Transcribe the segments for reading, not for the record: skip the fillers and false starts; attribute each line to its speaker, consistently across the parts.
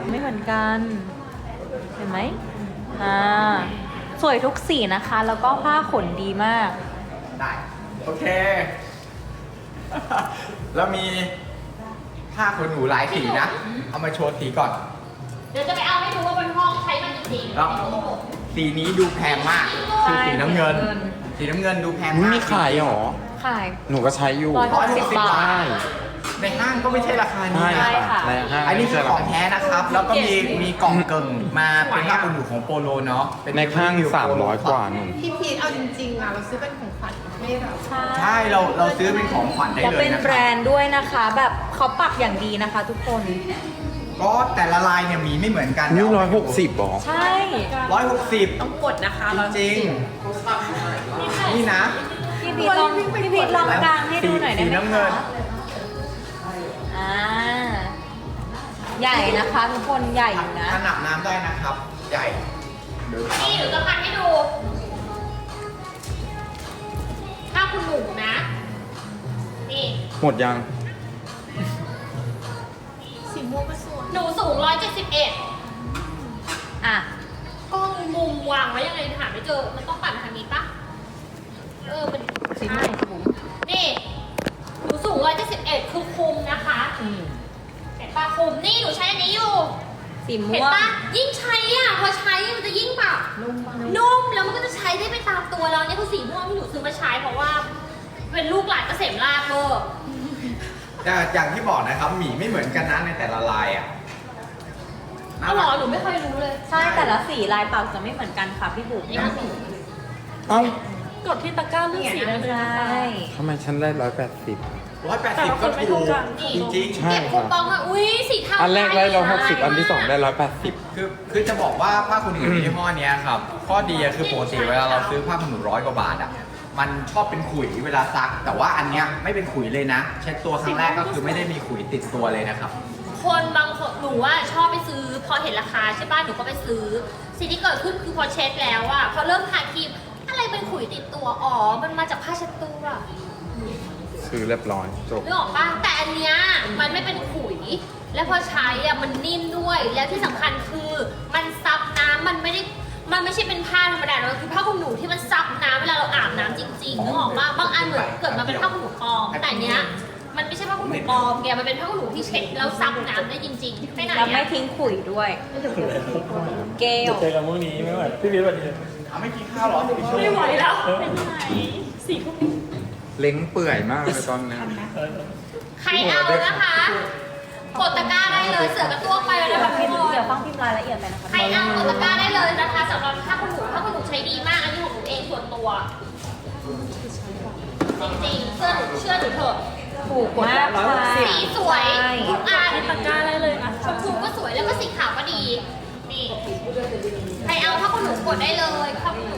Speaker 1: ไม่เหมือนกัน เห็นไหมสวยทุกสีนะคะ แล้วก็ผ้าขนดีมาก
Speaker 2: ได้โอเค แล้วมีผ้าขนหนูหลายสีนะ เอามาโชว์สีก่อน
Speaker 3: เดี๋ยวจะไปเอาให้ดูว่าบนห้องใช้มันจริงๆ
Speaker 2: แล้วสีนี้ดูแพงมาก คือสีน้ำเงิน สีน้ำเงินดูแพง
Speaker 4: อุ๊ย
Speaker 2: มาก
Speaker 4: มีขายเหรอ
Speaker 1: ขาย
Speaker 4: หนูก็ใช้อยู่
Speaker 1: 160 บาท
Speaker 4: ใช่
Speaker 2: ในห้างก็ไม่ใช่ราคานี้
Speaker 4: ใช่
Speaker 2: นะ
Speaker 4: ค่ะในห้าง
Speaker 2: อันนี้คือของ
Speaker 4: ไม่ใช่
Speaker 2: แท้นะครับ แล้วก็มีกล่องเกิ่งมาเป็นผ้าขนหนูของโปโลเนาะเป็
Speaker 4: ในห้าง300 กว่าหนู
Speaker 5: พี่พีทเอาจริงๆอ่ะเราซื้อเป็นของขวัญให้เรา
Speaker 2: ใช่เราซื้อเป็นของขวัญได้
Speaker 1: และ
Speaker 2: เลย
Speaker 1: เป็น
Speaker 2: นะค
Speaker 1: แบร
Speaker 2: รับ
Speaker 1: นด์ด้วยนะคะ แบบเขาปักอย่างดีนะคะ ทุกคน
Speaker 2: ก็แต่ละลายเนี่ยมีไม่เหมือนกัน
Speaker 4: นี่160หรอ
Speaker 1: ใช่
Speaker 2: 160
Speaker 5: ต้องกดนะคะ
Speaker 2: จริงๆนี่นะ
Speaker 1: พี่พีทลองกลางให้ดูหน่อยได้
Speaker 2: สี
Speaker 1: ไหม
Speaker 2: น้ำเงิ
Speaker 1: คะ
Speaker 2: น
Speaker 1: ใหญ่นะคะทุกคนใหญ่อยู่นะ
Speaker 2: ขนาบน้ำได้นะครับ ใหญ่เดี๋ยว
Speaker 3: นี่หนูจะพันให้ดู ถ้าคุณหนูนะ นี่
Speaker 4: หมดยัง
Speaker 5: สีม่วงก็สวย
Speaker 3: หนูสูง 171
Speaker 1: อ่ะ
Speaker 3: กล้องมุมวางไว้ยังไงหาไม่เจอ มันต้องปั่นทางนี้ปะมัน
Speaker 1: สีม่
Speaker 3: ใช่
Speaker 1: วง
Speaker 3: นี่ หนูสูง 171 คือคุมนะคะเห็นปะคุม นี่หนูใช้อันนี้อยู่
Speaker 1: สี
Speaker 3: เห็น
Speaker 1: ม่วง
Speaker 3: ปะยิ่งใช้อ่ะ พอใช้มันจะยิ่งแบบนุ่มแล้วมันก็จะใช้ได้ไปตามตัวเราเนี่ยคือสีม่วงที่หนูซื้อมาใช้เพราะว่า เป็นลูกหลานเกษมราชเวอร์
Speaker 2: แต่อย่างที่บอกนะครับหมีไม่เหมือนกันนะในแต่ละลายอ่ะ
Speaker 3: เอาเหรอหนูไม่เคยรู้เลย
Speaker 1: ใช่แต่ละสีลายปักจะไม่เหมือนกันค่ะพี่บุ๋ม
Speaker 3: นี่มันสี
Speaker 4: เอ้า
Speaker 1: กดที่ตะกร้าเลือกสีได้เลยใช่
Speaker 4: ทำไมฉันได้180
Speaker 2: 180 ก็ถูกจริง
Speaker 4: ใช่
Speaker 3: เก็บคูปองอะอุ้ยสีเทา
Speaker 4: อันแรกได้
Speaker 3: ใช่
Speaker 4: 160 อันที่ 2 ได้
Speaker 2: ๆคือจะบอกว่าผ้าขนหนูยี่ห้อเนี้ยครับข้อดีอะคือปกติเวลาเราซื้อผ้าขนหนู100 กว่าบาทอ่ะมันชอบเป็นขุยเวลาซัก แต่ว่าอันเนี้ยไม่เป็นขุยเลยนะ เช็ดตัวครั้งแรกก็คือไม่ได้มีขุยติดตัวเลยนะครับ
Speaker 3: คนบางคนหนูว่าชอบไปซื้อ พอเห็นราคาใช่ป่ะหนูก็ไปซื้อ สิ่งที่เกิดขึ้นคือพอเช็ดแล้วอะพอเริ่มทาครีมอะไรเป็นขุยติดตัวอ๋อมันมาจากผ้าเช็ดตัว
Speaker 4: 80 ซื้อเรียบร้อยจบ
Speaker 3: นึกออกป่ะแต่อันเนี้ยมันไม่เป็นขุย และพอใช้อะมันนิ่มด้วย แล้วที่สำคัญคือมันซับน้ำมันไม่ใช่เป็นผ้าธรรมดานะมันคือผ้าขนหนูที่มันซับน้ำเวลาเราอาบน้ำจริงๆนึกออกป่ะบางอันเหมือนเกิดมาเป็นผ้าขนหนูปลอมแต่อันเนี้ยมันไม่ใช่ผ้าขนหนูปลอมแกมันเป็นผ้าขนหนูที่เช็ดแล้วซับน้ำได้จริงๆไปไหน
Speaker 1: แล้วไม่
Speaker 3: อะ
Speaker 1: ทิ้งขุยด้วย เกล
Speaker 6: เจอกันพรุ่งนี้ไม่ไหวพี่พีทวันนี้
Speaker 2: เอาไม่กินข้าวหรออีกชั่วโม
Speaker 3: ไม่
Speaker 2: ง
Speaker 3: ไหวแล้ว
Speaker 4: เล้งเปื่อยมากเลยตอนนี้
Speaker 3: ใครเอานะคะ กดตะกร้าได้เลยเสือกระตัวไปแล้วนะคะทุกคน
Speaker 1: เดี๋ยวฟังพิมพ์รายละเอียดไปนะคะ
Speaker 3: ใครเอากดตะกร้าได้เลยนะคะสำหรับผ้าขนหนูผ้าขนหนูใช้ดีมาก อันนี้ของหนูเองส่วนตัว จริงๆเชื่อหนูเถอะ
Speaker 1: ถูกมากค่ะ
Speaker 3: สีสวย
Speaker 1: ใช่
Speaker 3: ทุกอันตะกร้าได้เลยนะชมพูก็สวยแล้วก็สีขาวก็ดี นี่ ใครเอาผ้าขนหนูกดได้เลยผ้าขนหนู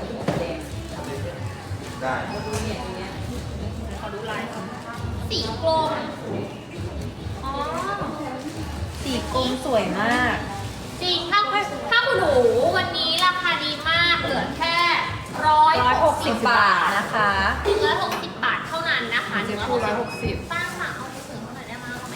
Speaker 2: ได้
Speaker 3: ขอดูลายสีกลม อ๋อ
Speaker 1: สีกลมสวยมาก
Speaker 3: จริงผ้าขนหนูวันนี้ราคาดีมาก เหลือแค่
Speaker 1: 160
Speaker 3: 160
Speaker 1: บาทนะคะ
Speaker 3: 160 บาทเท่านั้นนะคะ
Speaker 5: สีฟู160
Speaker 3: ป้าค่ะเอาไปเสริมหน่อยได้ไหมเอาไหม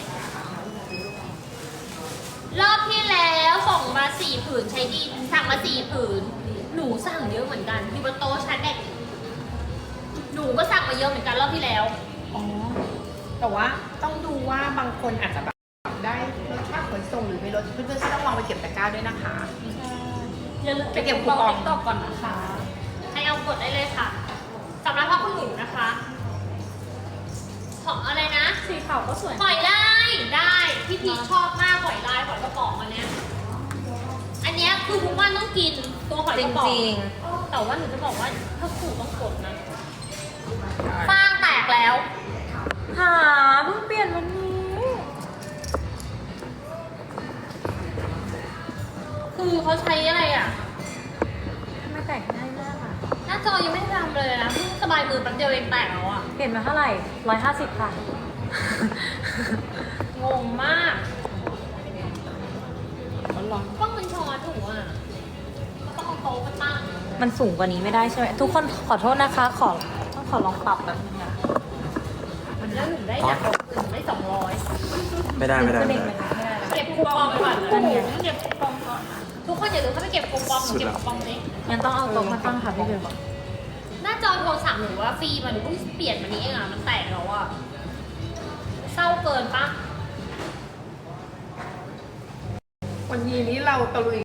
Speaker 3: รอบที่แล้วส่งมา4 ผืนใช้ดีสั่งมา4 ผืน หนูสั่งเยอะเหมือนกันอยู่บนโต๊ะชั้นเด็กหนูก็สั่งมาเยอะเหมือนกันรอบที่แล้ว
Speaker 5: อ๋อ แต่ว่าต้องดูว่าบางคนอาจจะแบบได้ลดค่าขนส่งหรือไม่ลดเพื่อนๆต้องลองไปเก็บตะกร้าด้วยนะคะ
Speaker 3: อย่าลืม
Speaker 5: ไปเก็บคูปอง
Speaker 3: ติ๊กต็อกก่อนนะคะ ให้เอากดได้เลยค่ะสำหรับผ้าขนหนูนะคะของอะไรนะ
Speaker 1: สีขาวก็สวย
Speaker 3: หอยลายได้พี่พีชชอบมากหอยลายหอยกระป๋องอันเนี้ยอันเนี้ยคือทุกวันต้องกินตัวหอย
Speaker 1: จ
Speaker 3: กระป๋อง
Speaker 1: ริง
Speaker 3: แต่ว่าหนูจะบอกว่าถ้าขู่ต้องกดนะฟางแตกแล้ว
Speaker 1: ๆหาเพิ่งเปลี่ยนวันนี้
Speaker 3: คือเขาใช้อะไรอ่ะ
Speaker 1: ทำไมแต่งง่ายมากอ่ะ
Speaker 3: หน้าจอยังไม่ได้ทำเลยนะเพิ่งสบายมือแป๊บเดียวเองแตกแล้วอ่ะ
Speaker 1: เปลี่ยนมาเท่าไหร่150ค่ะ
Speaker 3: งงมากต้องมันช้อนหนูอ่ะต้องเอาโต๊ะมาตั้ง
Speaker 1: มันสูงกว่านี้ไม่ได้ใช่ไหมทุกคนขอโทษนะคะ ต้องขอลองปรับแบบนึงอ่ะ
Speaker 3: แล้วหนูได้อยากเอาคืนได้200
Speaker 4: ไม่ได้
Speaker 1: ขึ้นเองไหมคะไม่ได้ละ
Speaker 3: เก็บคูปองก่อน
Speaker 1: นั่นไง
Speaker 3: เก็บคูปองก่อนทุกคนอย่าลืมเข้าไปเก็บคูปองหนูเก็บคูปองสิ
Speaker 1: งั้นต้องเอาโต๊ะมาตั้งค่ะพี่เบล
Speaker 3: หน้าจอโทรศัพท์หนูว่าฟรีมาหนูเพิ่งเปลี่ยนมานี้เองอ่ะมันแตกแล้วอ่ะเศร้าเกินปะ
Speaker 5: วันนี้เราตะลุย